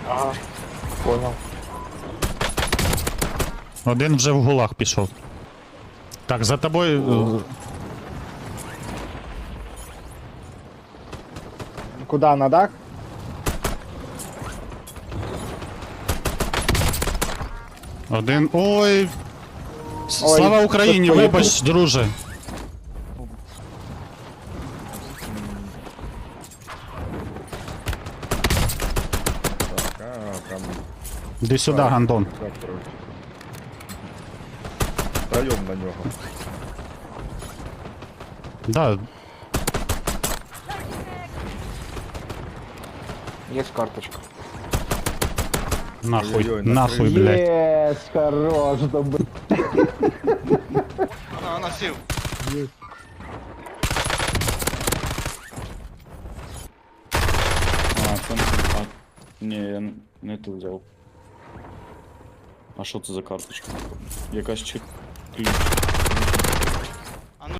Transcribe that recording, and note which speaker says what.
Speaker 1: Ага, понял.
Speaker 2: Один вже в гулаг пішов. Так, за тобою.
Speaker 1: Куда, на дах?
Speaker 2: Один. Ой.
Speaker 1: Ой,
Speaker 2: Слава Україні,
Speaker 1: хтось
Speaker 2: вибач, друже.
Speaker 3: Так, там...
Speaker 2: Іди сюди, гандон.
Speaker 3: Так, короче. Втроєм на нього.
Speaker 2: Да,
Speaker 1: Есть карточка.
Speaker 2: нахуй,
Speaker 3: Ой-ой-ой,
Speaker 2: нахуй, блядь.
Speaker 1: Есть, хорош, добр.
Speaker 4: Вона сів.
Speaker 5: А, це не... А, ні, я не ту взяв. А що це за карточка? Якась чи ключ?